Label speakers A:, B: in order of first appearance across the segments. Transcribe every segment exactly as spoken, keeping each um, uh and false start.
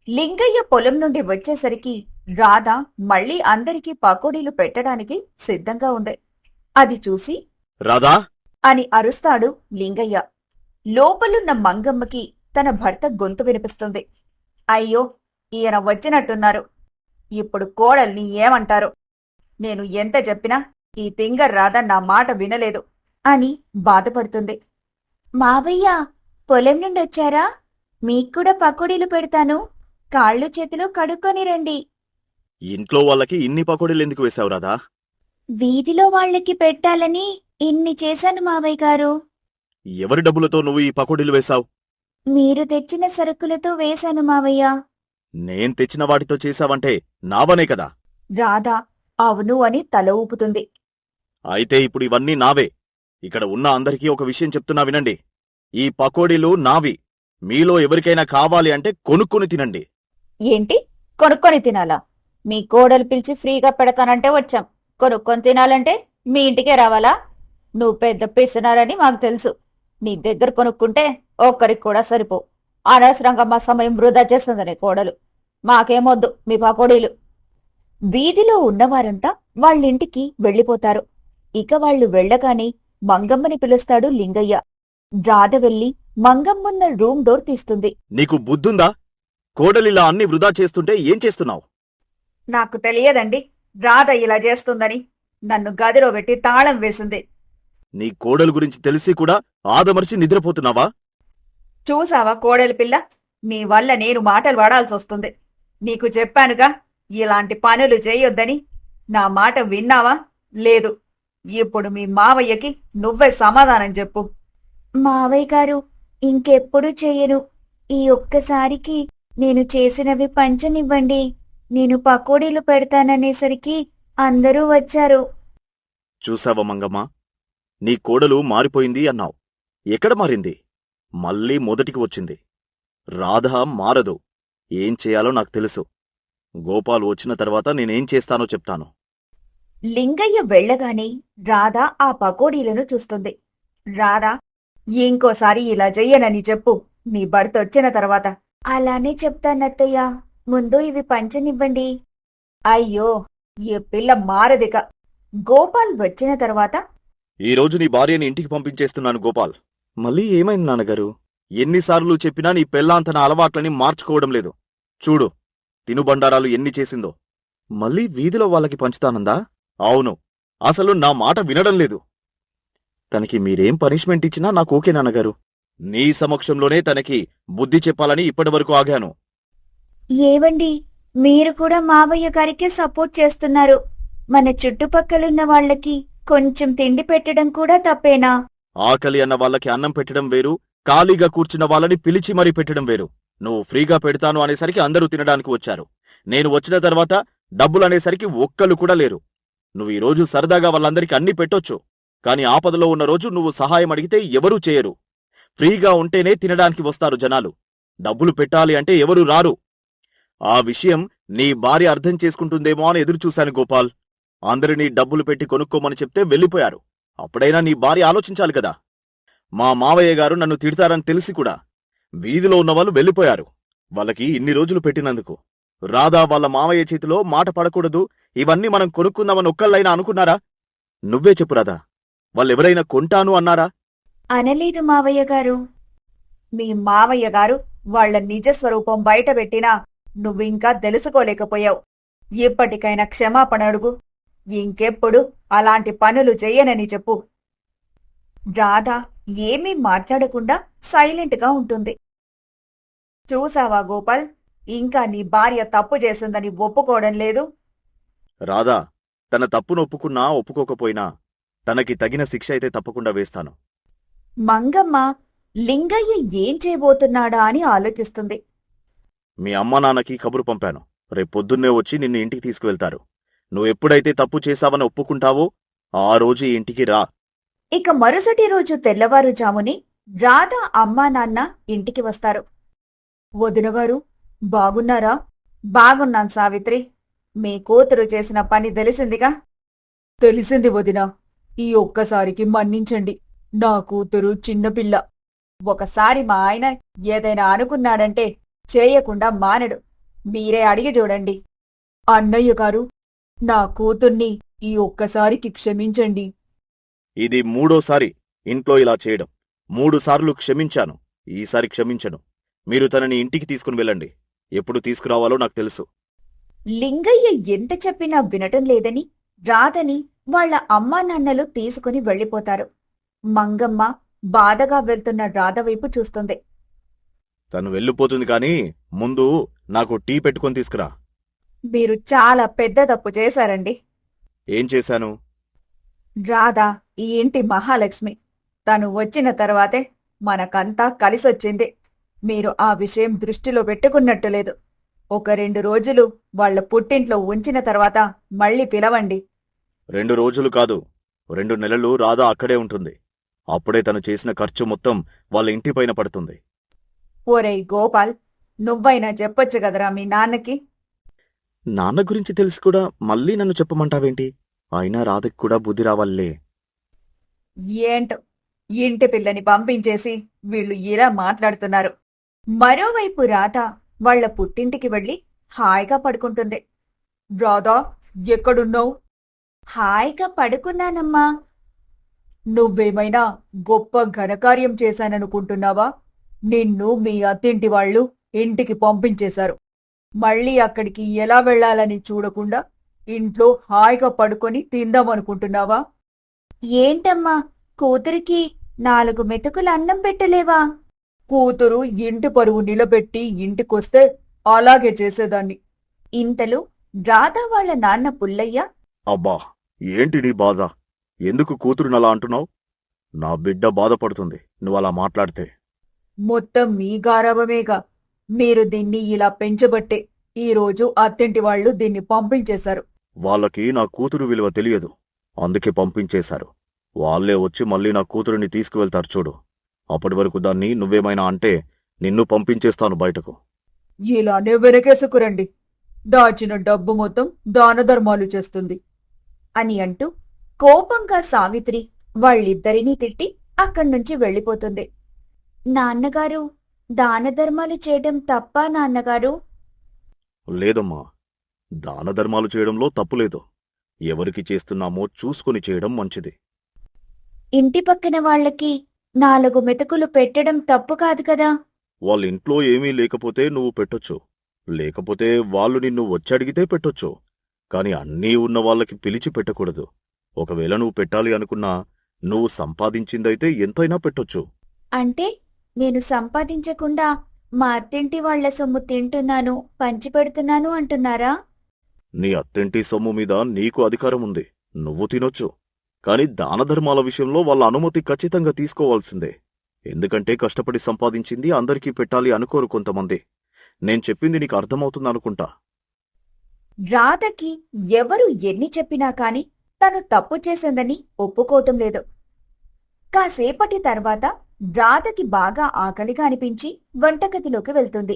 A: లింగయ్య పొలం నుండి వచ్చేసరికి రాధ మళ్ళీ అందరికీ పకోడీలు పెట్టడానికి సిద్ధంగా ఉంది. అది చూసి
B: రాధా
A: అని అరుస్తాడు లింగయ్య. లోపలున్న మంగమ్మకి తన భర్త గొంతు వినిపిస్తుంది. అయ్యో, ఈయన వచ్చినట్టున్నారు. ఇప్పుడు కోడల్ని ఏమంటారు? నేను ఎంత చెప్పినా ఈ తింగర్ రాధ నా మాట వినలేదు అని బాధపడుతుంది. మావయ్య, పొలం నుండొచ్చారా? మీక్కూడా పకోడీలు పెడతాను. కాళ్ళు చేతులు కడుక్కొని రండి.
B: ఇంట్లో వాళ్ళకి ఇన్ని పకోడీలు ఎందుకు వేశావు రాధా?
A: వీధిలో వాళ్ళకి పెట్టాలని ఇన్ని చేశాను మావయ్య గారు.
B: ఎవరి డబ్బులతో నువ్వు ఈ పకోడీలు వేశావు?
A: మీరు తెచ్చిన సరుకులతో వేశాను మావయ్య.
B: నేను తెచ్చిన వాటితో చేశావంటే నావనే కదా.
A: రాధా అవును అని తల ఊపుతుంది.
B: అయితే ఇప్పుడు ఇవన్నీ నావే. ఇక్కడ ఉన్న అందరికీ ఒక విషయం చెప్తున్నా వినండి. ఈ పకోడీలు నావి. మీలో ఎవరికైనా కావాలి అంటే కొనుక్కొని తినండి.
A: ఏంటి, కొనుక్కొని తినాలా? మీ కోడలు పిలిచి ఫ్రీగా పెడతానంటే వచ్చాం. కొనుక్కొని తినాలంటే మీ ఇంటికే రావాలా? నువ్వు పెద్ద పిసినారని మాకు తెలుసు. నీ దగ్గర కొనుక్కుంటే ఒక్కరికి కూడా సరిపో. అనవసరంగా మా సమయం వృధా చేస్తుందనే కోడలు. మాకేమొద్దు మీ పకోడీలు. వీధిలో ఉన్నవారంతా వాళ్ళింటికి వెళ్ళిపోతారు. ఇక వాళ్లు వెళ్లగానే మంగమ్మని పిలుస్తాడు లింగయ్య. రాధ వెళ్లి మంగమ్మన్న రూమ్ డోర్ తీస్తుంది.
B: నీకు బుద్ధుందా? కోడలిలా అన్ని వృధా చేస్తుంటే ఏం చేస్తున్నావు?
A: నాకు తెలియదండి రాధ ఇలా చేస్తుందని. నన్ను గదిలో పెట్టి తాళం వేసింది.
B: నీ కోడలు గురించి తెలిసి కూడా ఆదమర్చి నిద్రపోతున్నావా?
A: చూసావా కోడలి పిల్ల, నీ వల్ల నేను మాటలు వాడాల్సొస్తుంది. నీకు చెప్పానుగా ఇలాంటి పనులు చేయొద్దని. నా మాట విన్నావా? లేదు. ఇప్పుడు మీ మావయ్యకి నువ్వే సమాధానం చెప్పు. మావయ్య గారు, ఇంకెప్పుడు చెయ్యను. ఈ ఒక్కసారికి నేను చేసినవి పంచనివ్వండి. నేను పకోడీలు పెడతాననేసరికి అందరూ వచ్చారు.
B: చూసావా మంగమ్మ, నీ కోడలు మారిపోయింది అన్నావు. ఎక్కడ మారింది? మళ్ళీ మొదటికి వచ్చింది. రాధ మారదు. ఏం చేయాలో నాకు తెలుసు. గోపాల్ వచ్చిన తర్వాత నేనేం చేస్తానో చెప్తాను.
A: లింగయ్య వెళ్లగానే రాధ ఆ పకోడీలను చూస్తుంది. రాధా, ఇంకోసారి ఇలా చెయ్యనని చెప్పు నీ భర్త వచ్చిన తర్వాత. అలానే చెప్తానత్తయ్య. ముందు ఇవి పంచనివ్వండి. అయ్యో, ఈ పిల్ల మారదిక. గోపాల్ వచ్చిన తర్వాత
B: ఈరోజు నీ భార్యని ఇంటికి పంపించేస్తున్నాను గోపాల్. మళ్ళీ ఏమైంది నాన్నగారు? ఎన్నిసార్లు చెప్పినా నీ పెళ్ళాం తన అలవాట్లని మార్చుకోవడం లేదు. చూడు, తినుబండారాలు ఎన్ని చేసిందో. మళ్ళీ వీధిలో వాళ్ళకి పంచుతానందా? అవును, అసలు నా మాట వినడం లేదు. తనకి మీరేం పనిష్మెంట్ ఇచ్చినా నాకు ఓకే నాన్నగారు. నీ సమక్షంలోనే తనకి బుద్ధి చెప్పాలని ఇప్పటివరకు ఆగాను.
A: ఏవండి, మీరు కూడా మావయ్య గారికే సపోర్ట్ చేస్తున్నారు. మన చుట్టుపక్కలున్న వాళ్లకి కొంచెం తిండి పెట్టడం కూడా తప్పేనా?
B: ఆకలి అన్న వాళ్ళకి అన్నం పెట్టడం వేరు, ఖాళీగా కూర్చున్న వాళ్ళని పిలిచి మరీ పెట్టడం వేరు. నువ్వు ఫ్రీగా పెడతాను అనేసరికి అందరూ తినడానికి వచ్చారు. నేను వచ్చిన తర్వాత డబ్బులనేసరికి ఒక్కళ్ళు కూడా లేరు. నువ్వు ఈరోజు సరదాగా వాళ్ళందరికీ అన్ని పెట్టొచ్చు, కాని ఆపదలో ఉన్న రోజు నువ్వు సహాయం అడిగితే ఎవరూ చేయరు. ఫ్రీగా ఉంటేనే తినడానికి వస్తారు జనాలు. డబ్బులు పెట్టాలి అంటే ఎవరూ రారు. ఆ విషయం నీ భార్య అర్థం చేసుకుంటుందేమో అని ఎదురుచూశాను గోపాల్. అందరినీ డబ్బులు పెట్టి కొనుక్కోమని చెప్తే వెళ్ళిపోయారు. అప్పుడైనా నీ భార్య ఆలోచించాలి కదా. మా మావయ్య గారు నన్ను తిడతారని తెలిసి కూడా వీధిలో ఉన్నవాళ్ళు వెళ్ళిపోయారు, వాళ్ళకి ఇన్ని రోజులు పెట్టినందుకు. రాధా వాళ్ళ మావయ్య చేతిలో మాట పడకూడదు, ఇవన్నీ మనం కొనుక్కుందామని ఒక్కళ్ళైనా అనుకున్నారా? నువ్వే చెప్పు రాధా, వాళ్ళెవరైనా కొంటాను అన్నారా?
A: అనలేదు మావయ్య గారు. మీ మావయ్య గారు వాళ్ల నిజస్వరూపం బయటపెట్టినా నువ్వింకా తెలుసుకోలేకపోయావు. ఇప్పటికైనా క్షమాపణ అడుగు. ఇంకెప్పుడు అలాంటి పనులు చెయ్యనని చెప్పు. రాధ ఏమీ మాట్లాడకుండా సైలెంట్గా ఉంటుంది. చూసావా గోపాల్, ఇంకా నీ భార్య తప్పు చేసిందని ఒప్పుకోవడం లేదు.
B: రాధా, తన తప్పును ఒప్పుకున్నా ఒప్పుకోకపోయినా తనకి తగిన శిక్ష అయితే తప్పకుండా వేస్తాను.
A: మంగమ్మ లింగయ్య ఏం చేయబోతున్నాడా అని ఆలోచిస్తుంది.
B: మీ అమ్మా నాన్నకి కబురు పంపాను. రేపొద్దున్నే వచ్చి నిన్ను ఇంటికి తీసుకువెళ్తారు. నువ్వెప్పుడైతే తప్పు చేశావని ఒప్పుకుంటావో ఆ రోజు ఈ ఇంటికి రా.
A: ఇక మరుసటి రోజు తెల్లవారుజాముని రాధ అమ్మా నాన్న ఇంటికి వస్తారు. వదినగారు, బాగున్నారా? బాగున్నాను సావిత్రి. మీ కూతురు చేసిన పని తెలిసిందిగా? తెలిసింది వదినా. ఈ ఒక్కసారికి మన్నించండి. నా కూతురు చిన్నపిల్ల. ఒకసారి మా ఆయన ఏదైనా అనుకున్నాడంటే చేయకుండా మానడు. మీరే అడిగి చూడండి. అన్నయ్య గారు, నా కూతుర్ని ఈ ఒక్కసారికి క్షమించండి.
B: ఇది మూడోసారి ఇంట్లో ఇలా చేయడం. మూడు సార్లు క్షమించాను. ఈసారి క్షమించను. మీరు తనని ఇంటికి తీసుకుని వెళ్ళండి. ఎప్పుడు తీసుకురావాలో నాకు తెలుసు.
A: లింగయ్య ఎంత చెప్పినా వినటం లేదని రాధని వాళ్ళ అమ్మా నాన్నలు తీసుకుని వెళ్ళిపోతారు. మంగమ్మ బాధగా వెళ్తున్న రాధ వైపు చూస్తుంది.
B: తను వెళ్ళిపోతుంది కాని ముందు నాకు టీ పెట్టుకొని తీసుకురా.
A: మీరు చాలా పెద్ద తప్పు చేశారండి.
B: ఏం చేశాను?
A: రాధ ఈ ఇంటి మహాలక్ష్మి. తను వచ్చిన తర్వాతే మనకంతా కలిసొచ్చింది. మీరు ఆ విషయం దృష్టిలో పెట్టుకున్నట్టు లేదు. ఒక రెండు రోజులు వాళ్ళ పుట్టింట్లో ఉంచిన తర్వాత మళ్ళీ పిలవండి.
B: రెండు రోజులు కాదు, రెండు నెలలు రాధా అక్కడే ఉంటుంది. అప్పుడే తను చేసిన ఖర్చు మొత్తం వాళ్ళ ఇంటిపైన పడుతుంది.
A: ఓరేయ్ గోపాల్, నువ్వైనా చెప్పొచ్చు కదరా మీ నాన్నకి.
B: నాన్న గురించి తెలిసి కూడా మళ్ళీ నన్ను చెప్పమంటావేంటి? అయినా రాధకి కూడా బుద్ధి రావాలే.
A: ఏంటో ఇంటి పిల్లని పంపించేసి వీళ్ళు ఇలా మాట్లాడుతున్నారు. మరోవైపు రాధ వాళ్ళ పుట్టింటికి వెళ్ళి హాయిగా పడుకుంటుంది. రాధా, ఎక్కడున్నావు? హాయిగా పడుకున్నానమ్మా. నువ్వేమైనా గొప్ప ఘనకార్యం చేశాననుకుంటున్నావా? నిన్ను మీ అత్తింటి వాళ్ళు ఇంటికి పంపించేశారు. మళ్ళీ అక్కడికి ఎలా వెళ్లాలని చూడకుండా ఇంట్లో హాయిగా పడుకొని తిందామనుకుంటున్నావా? ఏంటమ్మా, కూతురికి నాలుగు మెతుకులు అన్నం పెట్టలేవా? కూతురు ఇంటి పరువు నిలబెట్టి ఇంటికొస్తే అలాగే చేసేదాన్ని. ఇంతలో రాధా వాళ్ళ నాన్న పుల్లయ్య,
B: అబ్బా, ఏంటి నీ బాధ? ఎందుకు కూతురునలా అంటున్నావు? నా బిడ్డ బాధపడుతుంది నువ్వలా మాట్లాడితే.
A: మొత్తం మీ గారాబమేగా. మీరు దీన్ని ఇలా పెంచబట్టే ఈరోజు అత్తింటి వాళ్ళు దీన్ని పంపించేశారు.
B: వాళ్ళకి నా కూతురు విలువ తెలియదు, అందుకే పంపించేశారు. వాళ్లే వచ్చి మళ్ళీ నా కూతురిని తీసుకువెళ్తారు చూడు. అప్పటి వరకు దాన్ని నువ్వేమైనా అంటే నిన్ను పంపించేస్తాను బయటకు.
A: ఇలానే వెనకేసుకురండి. దాచిన డబ్బు మొత్తం దానధర్మాలు చేస్తుంది అని అంటూ కోపంగా సావిత్రి వాళ్ళిద్దరినీ తిట్టి అక్కడ్నుంచి వెళ్ళిపోతుంది. నాన్నగారు, దానధర్మాలు చేయడం తప్పా నాన్నగారు?
B: లేదమ్మా, దానధర్మాలు చేయడంలో తప్పులేదు. ఎవరికి చేస్తున్నామో చూసుకుని చేయడం మంచిది.
A: ఇంటి పక్కన వాళ్ళకి నాలుగు మెతుకులు పెట్టడం తప్పు కాదు కదా?
B: వాళ్ళింట్లో ఏమీ లేకపోతే నువ్వు పెట్టొచ్చు, లేకపోతే వాళ్ళు నిన్ను వచ్చడిగితే పెట్టొచ్చు. కాని అన్నీ ఉన్న వాళ్ళకి పిలిచి పెట్టకూడదు. ఒకవేళ నువ్వు పెట్టాలి అనుకున్నా నువ్వు సంపాదించిందైతే ఎంతైనా పెట్టొచ్చు.
A: అంటే నేను సంపాదించకుండా మా అత్తింటి వాళ్ల సొమ్ము తింటున్నాను, పంచిపెడుతున్నాను అంటున్నారా?
B: నీ అత్తింటి సొమ్ము మీద నీకు అధికారం ఉంది, నువ్వు తినొచ్చు. కాని దానధర్మాల విషయంలో వాళ్ళ అనుమతి ఖచ్చితంగా తీసుకోవాల్సిందే. ఎందుకంటే కష్టపడి సంపాదించింది అందరికీ పెట్టాలి అనుకోరు కొంతమంది. నేను చెప్పింది నీకు అర్థమవుతుందనుకుంటా.
A: రాధకి ఎవరు ఎన్ని చెప్పినా కాని తను తప్పు చేసిందని ఒప్పుకోవటం లేదు. కాసేపటి తర్వాత రాధకి బాగా ఆకలిగా అనిపించి వంటగదిలోకి వెళ్తుంది.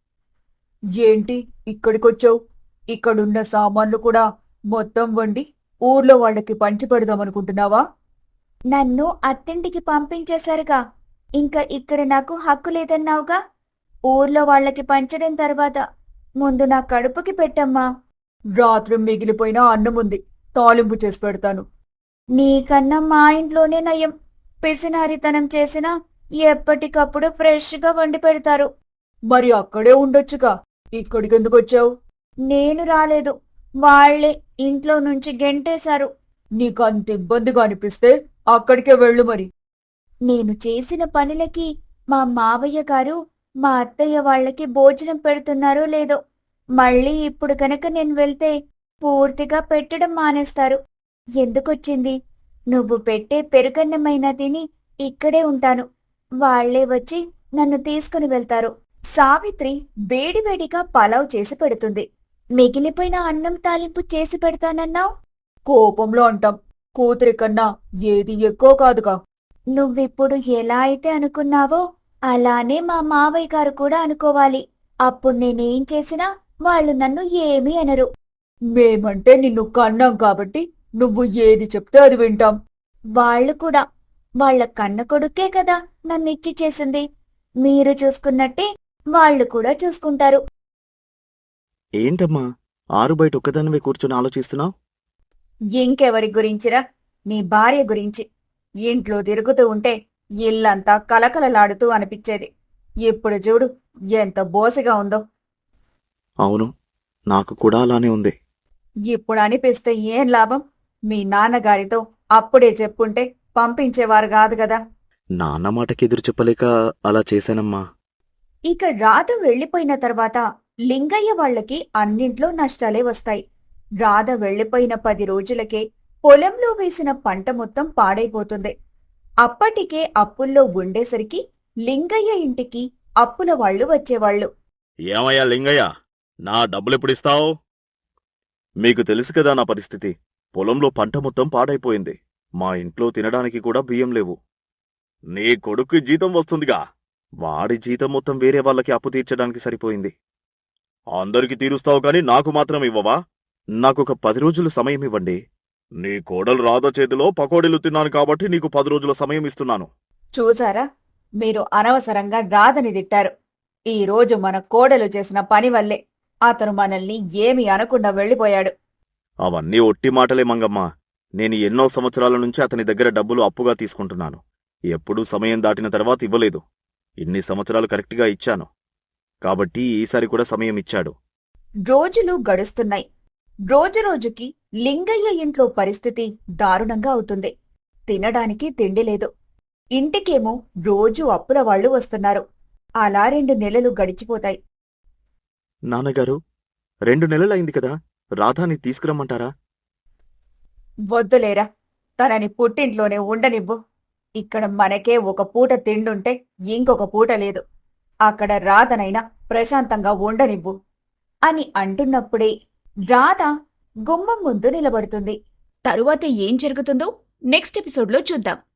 A: ఏంటి ఇక్కడికొచ్చావు? ఇక్కడున్న సామాన్లు కూడా మొత్తం వండి ఊర్లో వాళ్ళకి పంచిపెడదామనుకుంటున్నావా? నన్ను అత్తింటికి పంపించేశారుగా, ఇంకా ఇక్కడ నాకు హక్కు లేదన్నావుగా. ఊర్లో వాళ్ళకి పంచడం తర్వాత ముందు నా కడుపుకి పెట్టమ్మా. రాత్రి మిగిలిపోయిన అన్నముంది, తాలింపు చేసి పెడతాను. నీకన్నా మా ఇంట్లోనే నయం. పిసినారితనం చేసినా ఎప్పటికప్పుడు ఫ్రెష్గా వండి పెడతారు. మరి అక్కడే ఉండొచ్చుగా, ఇక్కడికెందుకొచ్చావు? నేను రాలేదు, వాళ్లే ఇంట్లో నుంచి గెంటేశారు. నీకంత ఇబ్బందిగా అనిపిస్తే అక్కడికే వెళ్ళు మరి. నేను చేసిన పనులకి మా మావయ్య గారు మా అత్తయ్య వాళ్లకి భోజనం పెడుతున్నారో లేదో, మళ్ళీ ఇప్పుడు కనుక నేను వెళ్తే పూర్తిగా పెట్టడం మానేస్తారు. ఎందుకొచ్చింది? నువ్వు పెట్టే పెరుగన్నమైనా తిని ఇక్కడే ఉంటాను. వాళ్లే వచ్చి నన్ను తీసుకుని వెళ్తారు. సావిత్రి వేడివేడిగా పలావ్ చేసి పెడుతుంది. మిగిలిపోయిన అన్నం తాలింపు చేసి పెడతానన్నావు. కోపంలో అంటాం, కూతురి కన్నా ఏది ఎక్కువ కాదుగా. నువ్విప్పుడు ఎలా అయితే అనుకున్నావో అలానే మా మావయ్య గారు కూడా అనుకోవాలి. అప్పుడు నేనేం చేసినా వాళ్ళు నన్ను ఏమీ అనరు. మేమంటే నిన్ను కన్నాం కాబట్టి నువ్వు ఏది చెప్తే అది వింటాం. వాళ్ళు కూడా వాళ్ల కన్న కొడుకే కదా నన్నిచ్చి చేసింది. మీరు చూసుకున్నట్టే వాళ్ళు కూడా చూసుకుంటారు.
B: ఏంటమ్మా ఆరు బయట ఒక్కదానివే కూర్చొని ఆలోచిస్తున్నావు?
A: ఇంకెవరి గురించిరా? నీ భార్య గురించి. ఇంట్లో తిరుగుతూ ఉంటే ఇల్లంతా కలకలలాడుతూ అనిపించేది. ఇప్పుడు చూడు ఎంత బోసిగా ఉందో.
B: అవును, నాకు కూడా అలానే ఉంది.
A: ఇప్పుడు అనిపిస్తే ఏం లాభం? మీ నాన్నగారితో అప్పుడే చెప్పుంటే పంపించేవారు కాదు గదా.
B: నాన్న మాటకి ఎదురు చెప్పలేక అలా చేశానమ్మా.
A: ఇక రాధ వెళ్లిపోయిన తర్వాత లింగయ్య వాళ్లకి అన్నింట్లో నష్టాలే వస్తాయి. రాధ వెళ్లిపోయిన పది రోజులకే పొలంలో వేసిన పంట మొత్తం పాడైపోతుంది. అప్పటికే అప్పుల్లో ఉండేసరికి లింగయ్య ఇంటికి అప్పుల వాళ్లు వచ్చేవాళ్లు.
B: ఏమయ్యా లింగయ్య, నా డబ్బులెప్పుడిస్తావు? మీకు తెలుసు కదా నా పరిస్థితి. పొలంలో పంట మొత్తం పాడైపోయింది. మా ఇంట్లో తినడానికి కూడా బియ్యం లేవు. నీ కొడుకు జీతం వస్తుందిగా, వాడి జీతం మొత్తం వేరే వాళ్ళకి అప్పు తీర్చడానికి సరిపోయింది. అందరికి తీరుస్తావు కాని నాకు మాత్రం ఇవ్వవా? నాకొక పది రోజులు సమయం ఇవ్వండి. నీ కోడలు రాధ చేతిలో పకోడీలు తిన్నాను కాబట్టి నీకు పది రోజుల సమయం ఇస్తున్నాను.
A: చూసారా, మీరు అనవసరంగా రాధని తిట్టారు. ఈ రోజు మన కోడలు చేసిన పని వల్లే అతను మనల్ని ఏమీ అనకుండా వెళ్లిపోయాడు.
B: అవన్నీ ఒట్టి మాటలే మంగమ్మ. నేను ఎన్నో సంవత్సరాల నుంచి అతని దగ్గర డబ్బులు అప్పుగా తీసుకుంటున్నాను. ఎప్పుడూ సమయం దాటిన తర్వాత ఇవ్వలేదు. ఇన్ని సంవత్సరాలు కరెక్ట్గా ఇచ్చాను కాబట్టి ఈసారి కూడా సమయం ఇచ్చాడు.
A: రోజులు గడుస్తున్నాయి. రోజురోజుకి లింగయ్య ఇంట్లో పరిస్థితి దారుణంగా అవుతుంది. తినడానికి తిండి లేదు. ఇంటికేమో రోజూ అప్పుల వాళ్లు వస్తున్నారు. అలా రెండు నెలలు గడిచిపోతాయి.
B: నాన్నగారు, రెండు నెలలైంది కదా, రాధాని తీసుకురమ్మంటారా?
A: వద్దులేరా, తనని పుట్టింట్లోనే ఉండనివ్వు. ఇక్కడ మనకే ఒక పూట తిండుంటే ఇంకొక పూట లేదు. అక్కడ రాధనైనా ప్రశాంతంగా ఉండనివ్వు అని అంటున్నప్పుడే రాధ గుమ్మం ముందు నిలబడుతుంది. తరువాత ఏం జరుగుతుందో నెక్స్ట్ ఎపిసోడ్లో చూద్దాం.